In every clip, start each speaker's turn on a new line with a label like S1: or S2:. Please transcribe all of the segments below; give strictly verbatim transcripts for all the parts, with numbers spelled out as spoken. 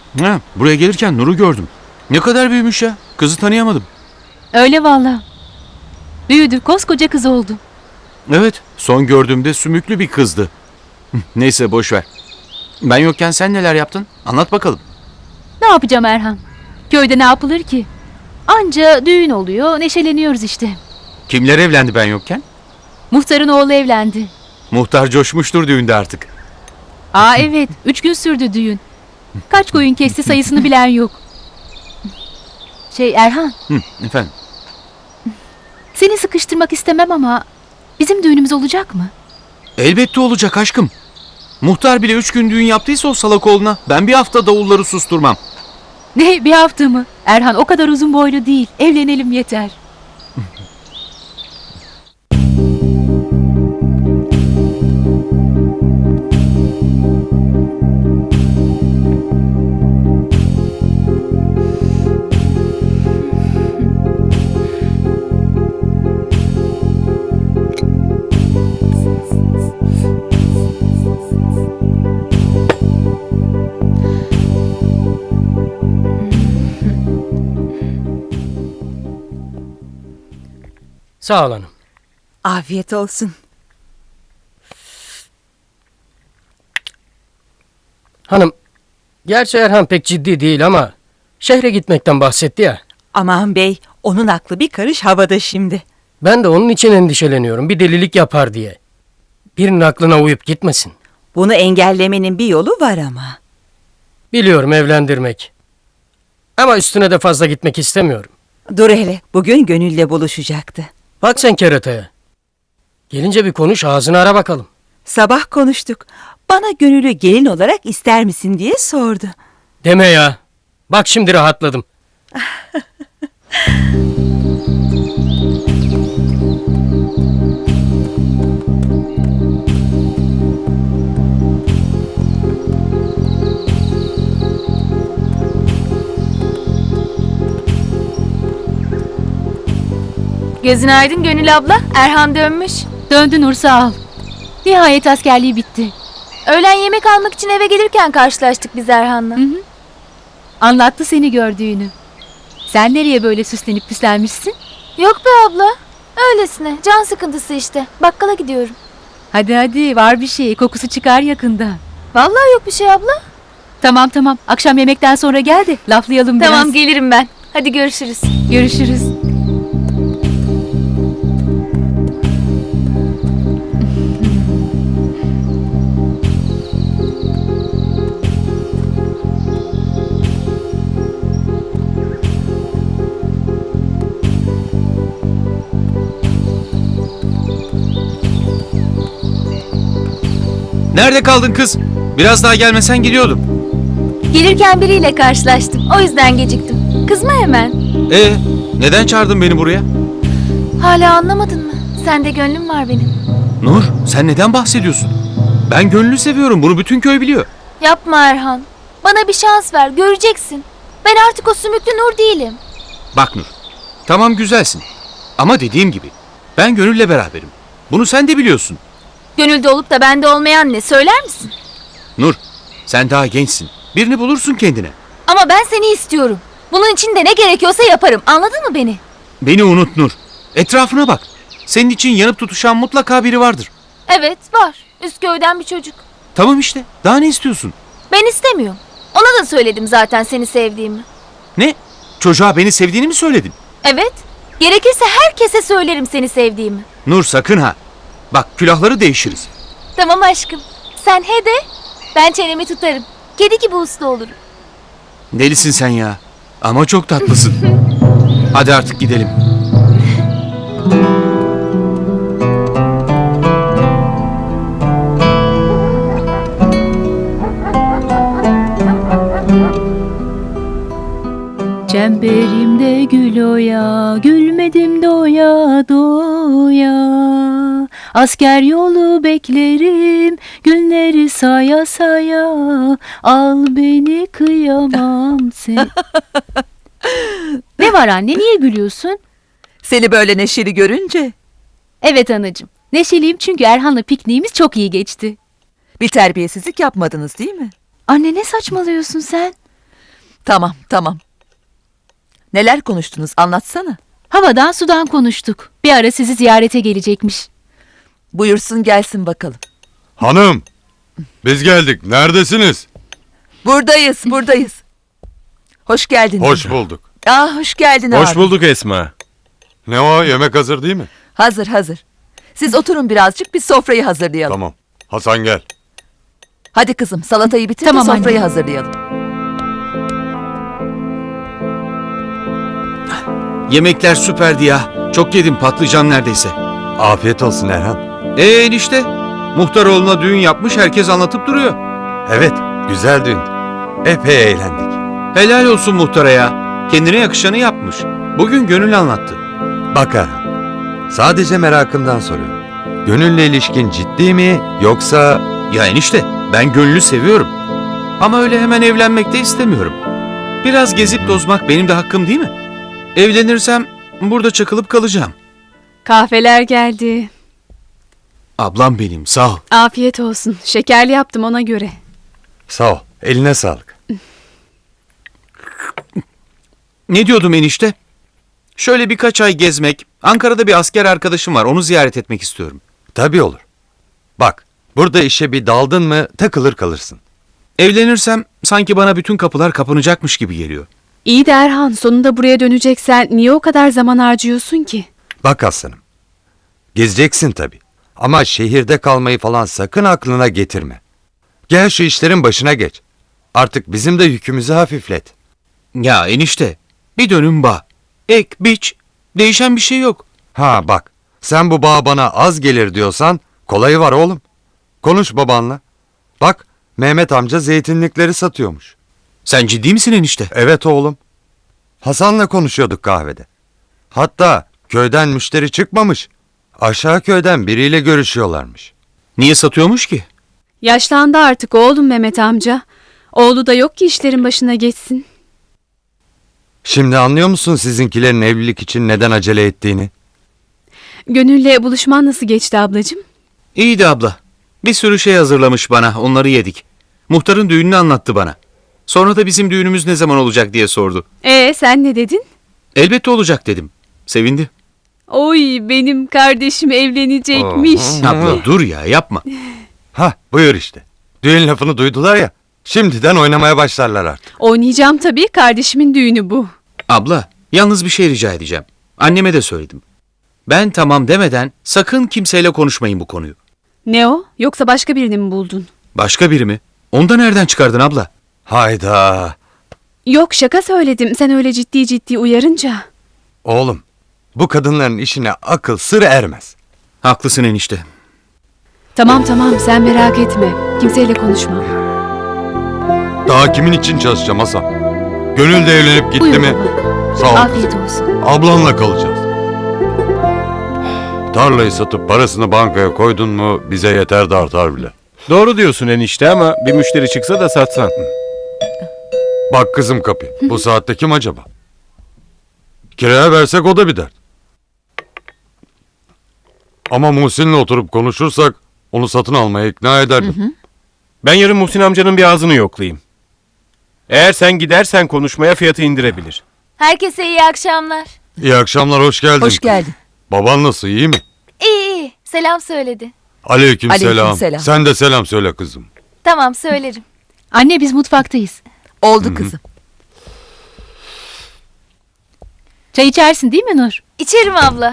S1: Ha, buraya gelirken Nur'u gördüm. Ne kadar büyümüş ya. Kızı tanıyamadım.
S2: Öyle valla. Büyüdü, koskoca kız oldu.
S1: Evet, son gördüğümde sümüklü bir kızdı. Neyse boş ver. Ben yokken sen neler yaptın? Anlat bakalım.
S2: Ne yapacağım Erhan? Köyde ne yapılır ki? Anca düğün oluyor, neşeleniyoruz işte.
S1: Kimler evlendi ben yokken?
S2: Muhtarın oğlu evlendi.
S1: Muhtar coşmuştur düğünde artık.
S2: Aa evet, üç gün sürdü düğün. Kaç koyun kesti sayısını bilen yok. Şey Erhan,
S1: Hı, efendim.
S2: seni sıkıştırmak istemem ama bizim düğünümüz olacak mı?
S1: Elbette olacak aşkım. Muhtar bile üç gün düğün yaptıysa o salak oğluna ben bir hafta davulları susturmam.
S2: Ne, bir hafta mı? Erhan o kadar uzun boylu değil, evlenelim yeter.
S3: Sağ ol hanım.
S4: Afiyet olsun.
S3: Hanım, gerçi Erhan pek ciddi değil ama şehre gitmekten bahsetti ya.
S4: Aman bey, onun aklı bir karış havada şimdi.
S3: Ben de onun için endişeleniyorum, bir delilik yapar diye. Birinin aklına uyup gitmesin.
S4: Bunu engellemenin bir yolu var ama.
S3: Biliyorum, evlendirmek. Ama üstüne de fazla gitmek istemiyorum.
S4: Dur hele, bugün Gönül'le buluşacaktı.
S3: Bak sen kerataya. Gelince bir konuş, ağzını ara bakalım.
S4: Sabah konuştuk. Bana Gönül'ü gelin olarak ister misin diye sordu.
S3: Deme ya. Bak şimdi rahatladım.
S5: Gözün aydın Gönül abla. Erhan dönmüş.
S2: Döndü Nur sağ ol. Nihayet askerliği bitti.
S5: Öğlen yemek almak için eve gelirken karşılaştık biz Erhan'la.
S2: Hı hı. Anlattı seni gördüğünü. Sen nereye böyle süslenip püslenmişsin?
S5: Yok be abla. Öylesine. Can sıkıntısı işte. Bakkala gidiyorum.
S2: Hadi hadi var bir şey, kokusu çıkar yakında.
S5: Vallahi yok bir şey abla.
S2: Tamam tamam, akşam yemekten sonra gel de laflayalım biraz.
S5: Tamam gelirim ben. Hadi görüşürüz.
S2: Görüşürüz.
S1: Nerede kaldın kız? Biraz daha gelmesen gidiyordum.
S5: Gelirken biriyle karşılaştım. O yüzden geciktim. Kızma hemen.
S1: Ee, neden çağırdın beni buraya?
S5: Hala anlamadın mı? Sende gönlüm var benim.
S1: Nur, sen neden bahsediyorsun? Ben Gönül'ü seviyorum. Bunu bütün köy biliyor.
S5: Yapma Erhan. Bana bir şans ver. Göreceksin. Ben artık o sümüklü Nur değilim.
S1: Bak Nur, tamam güzelsin. Ama dediğim gibi, ben Gönül'le beraberim. Bunu sen de biliyorsun.
S5: Gönülde olup da bende olmayan ne? Söyler misin?
S1: Nur, sen daha gençsin. Birini bulursun kendine.
S5: Ama ben seni istiyorum. Bunun için de ne gerekiyorsa yaparım. Anladın mı beni?
S1: Beni unut Nur. Etrafına bak. Senin için yanıp tutuşan mutlaka biri vardır.
S5: Evet var. Üsköy'den bir çocuk.
S1: Tamam işte. Daha ne istiyorsun?
S5: Ben istemiyorum. Ona da söyledim zaten seni sevdiğimi.
S1: Ne? Çocuğa beni sevdiğini mi söyledin?
S5: Evet. Gerekirse herkese söylerim seni sevdiğimi.
S1: Nur sakın ha. Bak külahları değişiriz.
S5: Tamam aşkım. Sen he de ben çenemi tutarım. Kedi gibi uslu olurum.
S1: Delisin sen ya. Ama çok tatlısın. Hadi artık gidelim.
S2: Çemberimde gül oya, gülmedim doya doya. Asker yolu beklerim, günleri saya saya. Al beni kıyamam sen. Ne var anne, niye gülüyorsun?
S4: Seni böyle neşeli görünce
S2: Evet anacığım, neşeliyim çünkü Erhan'la pikniğimiz çok iyi geçti.
S4: bir terbiyesizlik yapmadınız değil mi?
S2: Anne ne saçmalıyorsun sen?
S6: Tamam, tamam. Neler konuştunuz anlatsana.
S2: Havadan sudan konuştuk. Bir ara sizi ziyarete gelecekmiş.
S6: Buyursun gelsin bakalım.
S7: Hanım, biz geldik. Neredesiniz?
S6: Buradayız, buradayız. Hoş geldin.
S7: Hoş bulduk.
S6: Aa, hoş geldin
S8: Hoş
S6: abi.
S8: bulduk Esma.
S7: Ne o? Yemek hazır değil mi?
S6: Hazır, hazır. Siz oturun birazcık, biz sofrayı hazırlayalım.
S7: Tamam. Hasan gel.
S6: Hadi kızım, salatayı bitir
S2: Tamam
S6: de sofrayı
S2: anne.
S6: hazırlayalım.
S1: Yemekler süperdi ya. Çok yedim, patlıcan neredeyse.
S7: Afiyet olsun Erhan.
S1: Ee enişte, muhtaroğluna düğün yapmış, herkes anlatıp duruyor.
S7: Evet, güzel düğün. Epey eğlendik.
S1: Helal olsun muhtara ya. Kendine yakışanı yapmış. Bugün Gönül anlattı.
S9: Bak Erhan, sadece merakımdan soruyorum. Gönülle ilişkin ciddi mi yoksa...
S1: Ya enişte, ben Gönül'ü seviyorum. Ama öyle hemen evlenmek de istemiyorum. Biraz gezip tozmak benim de hakkım değil mi? Evlenirsem burada çakılıp kalacağım.
S10: Kahveler geldi.
S1: Ablam benim, sağ ol.
S10: Afiyet olsun. Şekerli yaptım ona göre.
S9: Sağ ol, eline sağlık.
S1: Ne diyordum enişte? Şöyle birkaç ay gezmek, Ankara'da bir asker arkadaşım var, onu ziyaret etmek istiyorum.
S9: Tabii olur. Bak, burada işe bir daldın mı takılır kalırsın.
S1: Evlenirsem sanki bana bütün kapılar kapanacakmış gibi geliyor.
S10: İyi de Erhan, sonunda buraya döneceksen niye o kadar zaman harcıyorsun ki?
S9: Bak aslanım, gezeceksin tabii. Ama şehirde kalmayı falan sakın aklına getirme. Gel şu işlerin başına geç. Artık bizim de yükümüzü hafiflet.
S1: Ya enişte, bir dönüm bağ. Ek, biç, değişen bir şey yok.
S9: Ha bak, sen bu bağ bana az gelir diyorsan kolayı var oğlum. Konuş babanla. Bak, Mehmet amca zeytinlikleri satıyormuş.
S1: Sen ciddi misin enişte?
S9: Evet oğlum. Hasan'la konuşuyorduk kahvede. Hatta köyden müşteri çıkmamış. Aşağı köyden biriyle görüşüyorlarmış.
S1: Niye satıyormuş ki?
S10: Yaşlandı artık oğlum Mehmet amca. Oğlu da yok ki işlerin başına geçsin.
S9: Şimdi anlıyor musun sizinkilerin evlilik için neden acele ettiğini?
S10: Gönül'le buluşman nasıl geçti ablacığım?
S1: İyiydi abla. Bir sürü şey hazırlamış bana, onları yedik. Muhtarın düğününü anlattı bana. Sonra da bizim düğünümüz ne zaman olacak diye sordu.
S10: Ee sen ne dedin?
S1: Elbette olacak dedim. Sevindi.
S10: Oy benim kardeşim evlenecekmiş.
S1: Abla dur ya, yapma.
S9: Hah buyur işte. Düğün lafını duydular ya. Şimdiden oynamaya başlarlar artık.
S10: Oynayacağım tabii, kardeşimin düğünü bu.
S1: Abla, yalnız bir şey rica edeceğim. Anneme de söyledim. Ben tamam demeden sakın kimseyle konuşmayın bu konuyu.
S10: Ne o? Yoksa başka birini mi buldun?
S1: Başka biri mi? Onu da nereden çıkardın abla?
S9: Hayda.
S10: Yok, şaka söyledim. Sen öyle ciddi ciddi uyarınca.
S9: Oğlum bu kadınların işine akıl sır ermez.
S1: Haklısın enişte.
S10: Tamam tamam, sen merak etme. Kimseyle konuşma.
S7: Daha kimin için çalışacağım Hasan? Gönül de evlenip gitti
S2: Buyur
S7: mi?
S2: baba.
S7: Sağ ol.
S2: Afiyet olsun.
S7: Ablanla kalacağız. Tarlayı satıp parasını bankaya koydun mu bize yeter de artar bile.
S8: Doğru diyorsun enişte ama bir müşteri çıksa da satsan.
S7: Bak kızım kapı. Bu saatte kim acaba? Kiraya versek o da bir dert. Ama Muhsin'le oturup konuşursak onu satın almaya ikna ederdim.
S8: Ben yarın Muhsin amcanın bir ağzını yoklayayım. Eğer sen gidersen konuşmaya fiyatı indirebilir.
S5: Herkese iyi akşamlar.
S7: İyi akşamlar, hoş geldin.
S6: Hoş geldin.
S7: Baban nasıl, iyi mi?
S5: İyi iyi. Selam söyledi.
S7: Aleyküm, selam.
S6: Aleykümselam.
S7: Sen de selam söyle kızım.
S5: Tamam söylerim.
S2: Anne biz mutfaktayız.
S6: Oldu kızım.
S2: Çay içersin değil mi Nur?
S5: İçerim abla.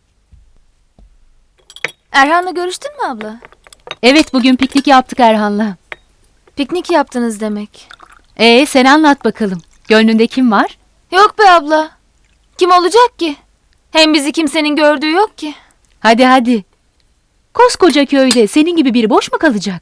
S5: Erhan'la görüştün mü abla?
S2: Evet, bugün piknik yaptık Erhan'la.
S5: Piknik yaptınız demek.
S2: Ee sen anlat bakalım. Gönlünde kim var?
S5: Yok be abla. Kim olacak ki? Hem bizi kimsenin gördüğü yok ki.
S2: Hadi hadi. Koskoca köyde senin gibi biri boş mu kalacak?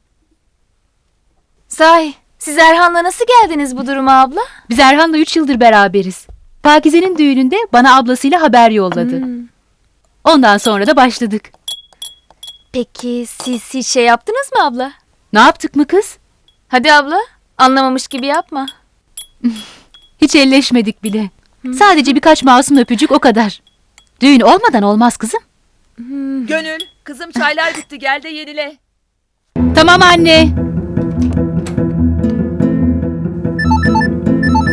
S5: Sahi siz Erhan'la nasıl geldiniz bu duruma abla?
S2: Biz Erhan'la üç yıldır beraberiz. Pakize'nin düğününde bana ablasıyla haber yolladı.
S5: Hmm.
S2: Ondan sonra da başladık.
S5: Peki siz hiç şey yaptınız mı abla?
S2: Ne yaptık mı kız?
S5: Hadi abla anlamamış gibi yapma.
S2: Hiç elleşmedik bile. Sadece birkaç masum öpücük, o kadar. Düğün olmadan olmaz kızım.
S6: Gönül, kızım çaylar bitti, gel de yenile.
S2: Tamam anne.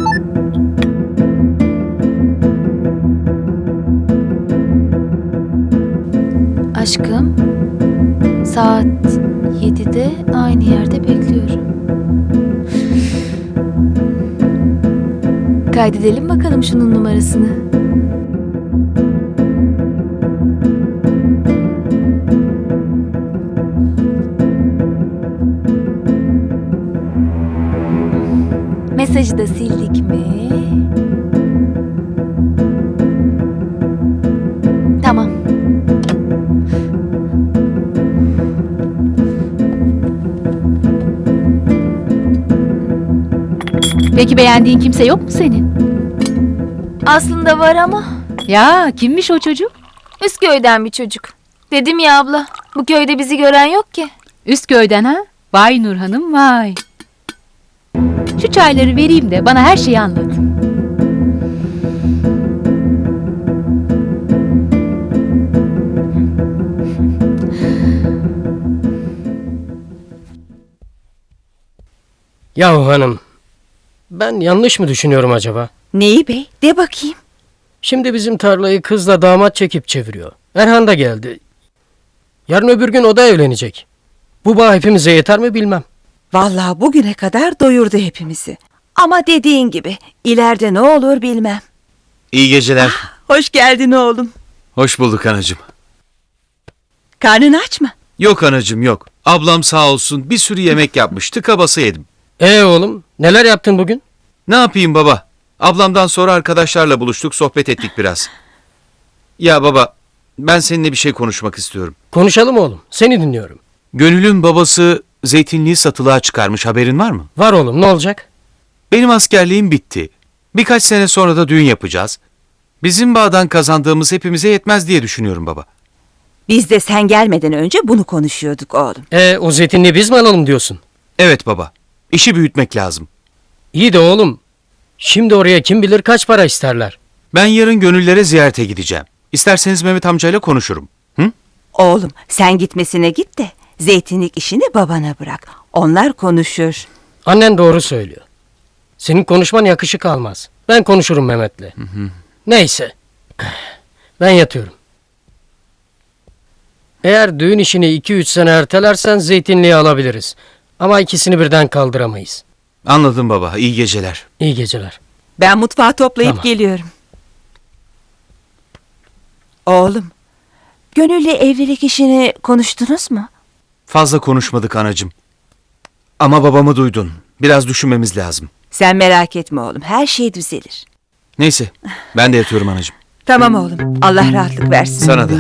S5: yedide aynı yerde bekliyorum. Kaydedelim bakalım şunun numarasını. Mesajı da sildik mi? Tamam.
S2: Peki beğendiğin kimse yok mu senin?
S5: Aslında var ama
S2: Ya kimmiş o çocuk?
S5: Üsköy'den bir çocuk. Dedim ya abla, bu köyde bizi gören yok ki.
S2: Üsköy'den ha? Vay Nur Hanım vay. Şu çayları vereyim de bana her şeyi anlat.
S3: Yahu hanım, ben yanlış mı düşünüyorum acaba?
S4: Neyi bey? De bakayım.
S3: Şimdi bizim tarlayı kızla damat çekip çeviriyor. Erhan da geldi. Yarın öbür gün o da evlenecek. Bu bağ hepimize yeter mi bilmem.
S4: Vallahi bugüne kadar doyurdu hepimizi. Ama dediğin gibi ileride ne olur bilmem.
S1: İyi geceler.
S4: Hoş geldin oğlum.
S1: Hoş bulduk anacığım.
S4: Karnın aç mı?
S1: Yok anacığım yok. Ablam sağ olsun bir sürü yemek yapmış. Tıka basa yedim.
S3: Ee oğlum, neler yaptın bugün?
S1: Ne yapayım baba? Ablamdan sonra arkadaşlarla buluştuk, sohbet ettik biraz. Ya baba, ben seninle bir şey konuşmak istiyorum.
S3: Konuşalım oğlum, seni dinliyorum.
S1: Gönül'ün babası zeytinliği satılığa çıkarmış, haberin var mı?
S3: Var oğlum, ne olacak?
S1: Benim askerliğim bitti. Birkaç sene sonra da düğün yapacağız. Bizim bağdan kazandığımız hepimize yetmez diye düşünüyorum baba.
S4: Biz de sen gelmeden önce bunu konuşuyorduk oğlum.
S3: Ee o zeytinliği biz mi alalım diyorsun?
S1: Evet baba, işi büyütmek lazım.
S3: İyi de oğlum, şimdi oraya kim bilir kaç para isterler.
S1: Ben yarın Gönüllere ziyarete gideceğim. İsterseniz Mehmet amcayla konuşurum. Hı?
S4: Oğlum sen gitmesine git de zeytinlik işini babana bırak. Onlar konuşur.
S3: Annen doğru söylüyor. Senin konuşman yakışık almaz. Ben konuşurum Mehmet'le. Neyse, ben yatıyorum. Eğer düğün işini iki üç sene ertelersen zeytinliği alabiliriz. Ama ikisini birden kaldıramayız.
S1: Anladım baba, iyi geceler.
S3: İyi geceler.
S4: Ben mutfağı toplayıp
S3: Tamam.
S4: geliyorum. Oğlum, Gönül'le evlilik işini konuştunuz mu?
S1: Fazla konuşmadık anacığım. Ama babamı duydun. Biraz düşünmemiz lazım.
S4: Sen merak etme oğlum, her şey düzelir.
S1: Neyse, ben de yatıyorum anacığım.
S4: Tamam oğlum, Allah rahatlık versin.
S1: Sana da.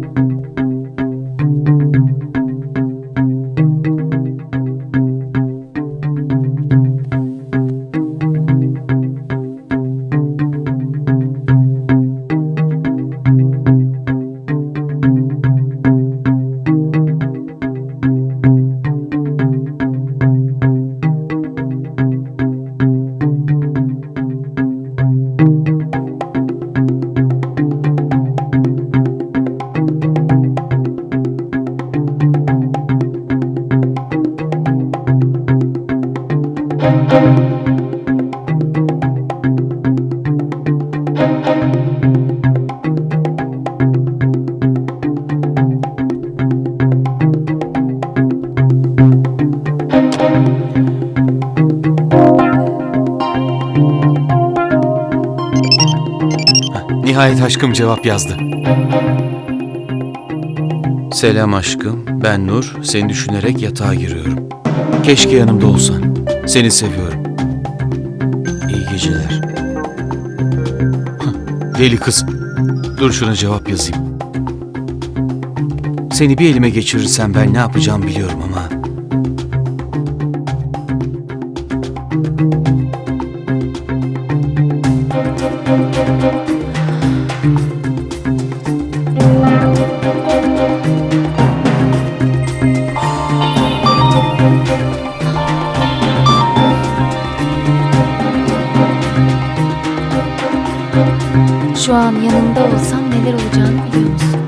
S1: Nihayet aşkım cevap yazdı. Selam aşkım, ben Nur. Seni düşünerek yatağa giriyorum. Keşke yanımda olsan. Seni seviyorum. İyi geceler. Hah, deli kız. Dur şuna cevap yazayım. Seni bir elime geçirirsem ben ne yapacağımı biliyorum ama...
S5: Şu an yanında olsam neler olacağını biliyor musun?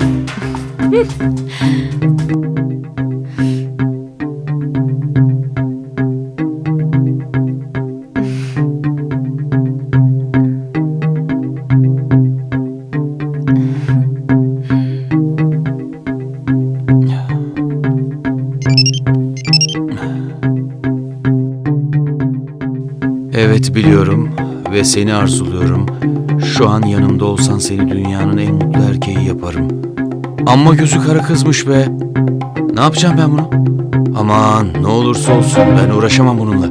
S1: Evet biliyorum ve seni arzuluyorum. Şu an yanımda olsan seni dünyanın en mutlu erkeği yaparım. Amma gözü kara kızmış be. Ne yapacağım ben bunu? Aman ne olursa olsun ben uğraşamam bununla.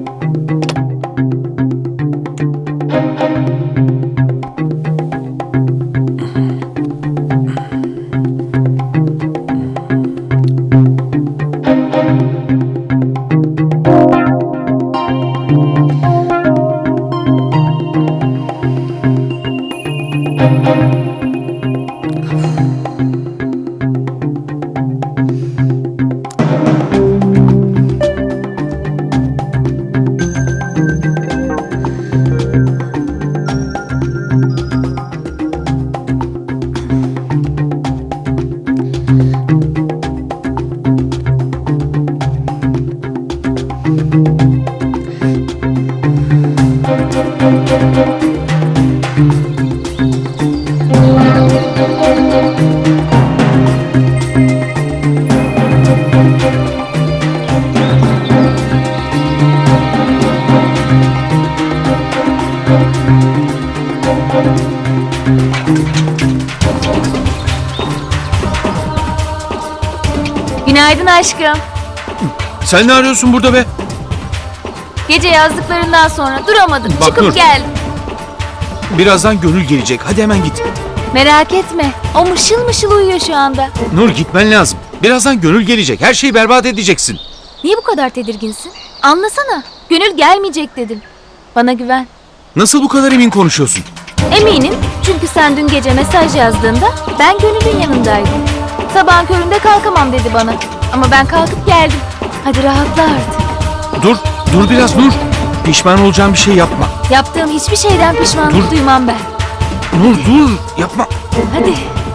S5: Günaydın aşkım.
S1: Sen ne arıyorsun burada be?
S5: Gece yazdıklarından sonra duramadım.
S1: Bak
S5: Çıkıp
S1: Nur.
S5: geldim.
S1: Birazdan Gönül gelecek. Hadi hemen git.
S5: Merak etme. O mışıl mışıl uyuyor şu anda.
S1: Nur gitmen lazım. Birazdan Gönül gelecek. Her şeyi berbat edeceksin.
S5: Niye bu kadar tedirginsin? Anlasana. Gönül gelmeyecek dedim. Bana güven.
S1: Nasıl bu kadar emin konuşuyorsun?
S5: Eminim çünkü sen dün gece mesaj yazdığında ben Gönül'ün yanındaydım. Sabahın köründe kalkamam dedi bana. Ama ben kalkıp geldim. Hadi rahatla artık.
S1: Dur, dur biraz Nur. Pişman olacağım bir şey yapma.
S5: Yaptığım hiçbir şeyden pişmanlık
S1: Dur.
S5: duymam ben.
S1: Nur dur, yapma.
S5: Hadi.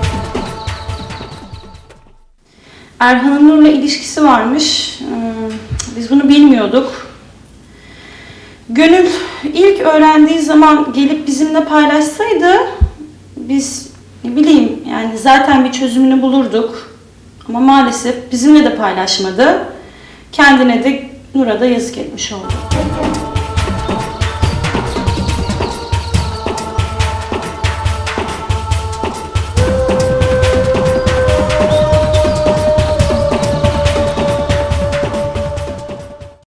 S11: Erhan'ın Nur'la ilişkisi varmış. Ee, Biz bunu bilmiyorduk. Gönül ilk öğrendiği zaman gelip bizimle paylaşsaydı biz ne bileyim yani zaten bir çözümünü bulurduk. Ama maalesef bizimle de paylaşmadı. Kendine de Nur'a da yazık etmiş oldu.